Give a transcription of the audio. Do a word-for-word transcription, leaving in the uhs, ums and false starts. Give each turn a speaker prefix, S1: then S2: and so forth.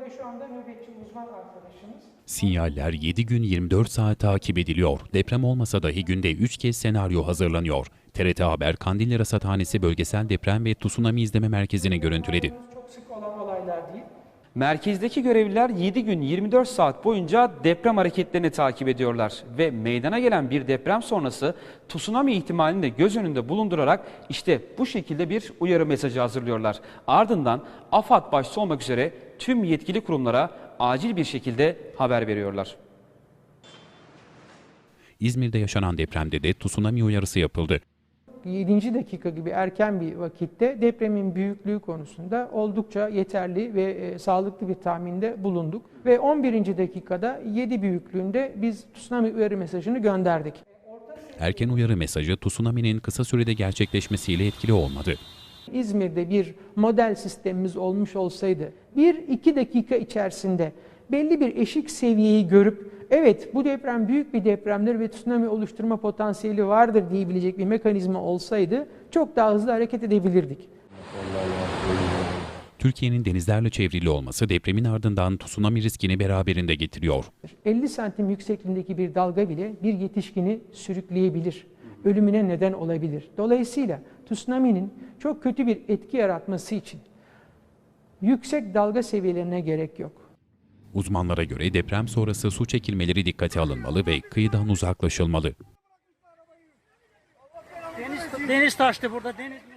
S1: şu anda nöbetçi uzman arkadaşımız.
S2: Sinyaller yedi gün yirmi dört saat takip ediliyor. Deprem olmasa dahi günde üç kez senaryo hazırlanıyor. T R T Haber, Kandilli Rasathanesi Bölgesel Deprem ve Tsunami İzleme Merkezi'ni görüntüledi.
S1: Çok sık olan olaylar değil.
S3: Merkezdeki görevliler yedi gün yirmi dört saat boyunca deprem hareketlerini takip ediyorlar ve meydana gelen bir deprem sonrası tsunami ihtimalini de göz önünde bulundurarak işte bu şekilde bir uyarı mesajı hazırlıyorlar. Ardından AFAD başta olmak üzere tüm yetkili kurumlara acil bir şekilde haber veriyorlar.
S2: İzmir'de yaşanan depremde de tsunami uyarısı yapıldı.
S1: yedinci dakika gibi erken bir vakitte depremin büyüklüğü konusunda oldukça yeterli ve e, sağlıklı bir tahminde bulunduk. Ve on birinci dakikada yedi büyüklüğünde biz tsunami uyarı mesajını gönderdik.
S2: Erken uyarı mesajı tsunami'nin kısa sürede gerçekleşmesiyle etkili olmadı.
S1: İzmir'de bir model sistemimiz olmuş olsaydı bir iki dakika içerisinde belli bir eşik seviyeyi görüp evet bu deprem büyük bir depremdir ve tsunami oluşturma potansiyeli vardır diyebilecek bir mekanizma olsaydı çok daha hızlı hareket edebilirdik.
S2: Türkiye'nin denizlerle çevrili olması depremin ardından tsunami riskini beraberinde getiriyor.
S1: elli santim yüksekliğindeki bir dalga bile bir yetişkini sürükleyebilir, ölümüne neden olabilir. Dolayısıyla tsunami'nin çok kötü bir etki yaratması için yüksek dalga seviyelerine gerek yok.
S2: Uzmanlara göre deprem sonrası su çekilmeleri dikkate alınmalı ve kıyıdan uzaklaşılmalı.
S4: Deniz, deniz taştı burada. Deniz